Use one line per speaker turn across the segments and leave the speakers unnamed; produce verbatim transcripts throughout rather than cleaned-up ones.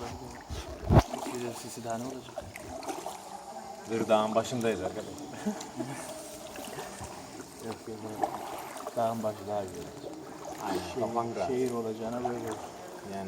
Çok güzel sesi daha ne olacak?
Dağın başındayız arkadaşlar.
Yok yok yok. Dağın başı daha güzel.
Aynen. Kafan
Şehir,
rahat.
şehir olacağına böyle olsun.
Yani.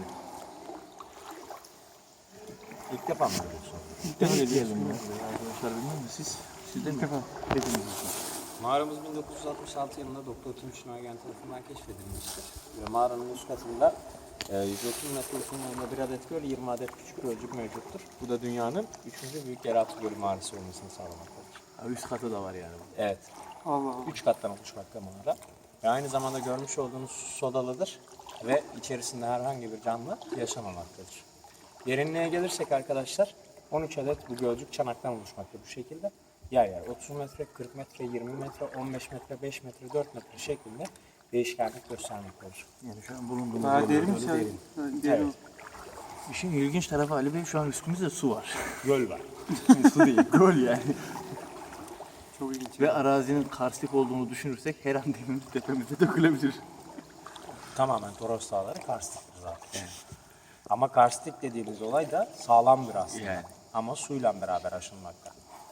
İlk defa mı görüyorsun?
İlk defa geldim ya. Arkadaşlar bilmiyor musunuz siz? Siz de mi? Hepiniz.
Mağaramız bin dokuz yüz altmış altı yılında Doktor Timuçin Ergen tarafından keşfedilmiştir. Ve mağaranın üst katında e, yüz otuz metre uzunluğunda bir adet göl, yirmi adet küçük gölcük mevcuttur. Bu da dünyanın üçüncü büyük yeraltı gölü mağarası olmasını sağlamaktadır.
Ha, üst katı da var yani.
Evet.
Allah Allah.
Üç kattan oluşmakta mağara. Ve aynı zamanda görmüş olduğunuz su sodalıdır. Ve içerisinde herhangi bir canlı yaşamamaktadır. Derinliğe gelirsek arkadaşlar, on üç adet bu gölcük çanaktan oluşmakta bu şekilde. Yer yer otuz metre, kırk metre, yirmi metre, on beş metre, beş metre, dört metre şeklinde değişkenlik göstermektedir.
Yani şu an bulunduğumuz
Daha
yer
derin mi
böyle
sen?
derin.
Derin.
Evet.
İşin ilginç tarafı Ali Bey şu an üstümüzde su var.
Göl var.
Su değil, göl yani.
Çok ilginç.
Ve arazinin karstik olduğunu düşünürsek her an demimiz tepemize dökülebilir.
Tamamen Toros Dağları karstiktir zaten. Ama karstik dediğimiz olay da sağlamdır aslında.
Yani.
Ama suyla beraber aşınmakta.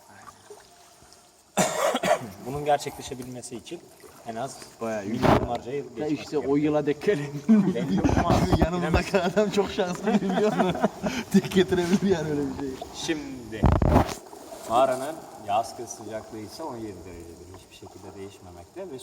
Bunun gerçekleşebilmesi için en az
Bayağı
milyonlarca yıl
Ya
geçmesi
işte o
gerekiyor.
yıla denk gelebilir.
Belli olmaz.
Yanımızdaki adam çok şanslı biliyor musun? Tek getirebilir yani öyle bir şey.
Şimdi mağaranın yaz kış sıcaklığı ise on yedi derecedir. Hiçbir şekilde değişmemekte ve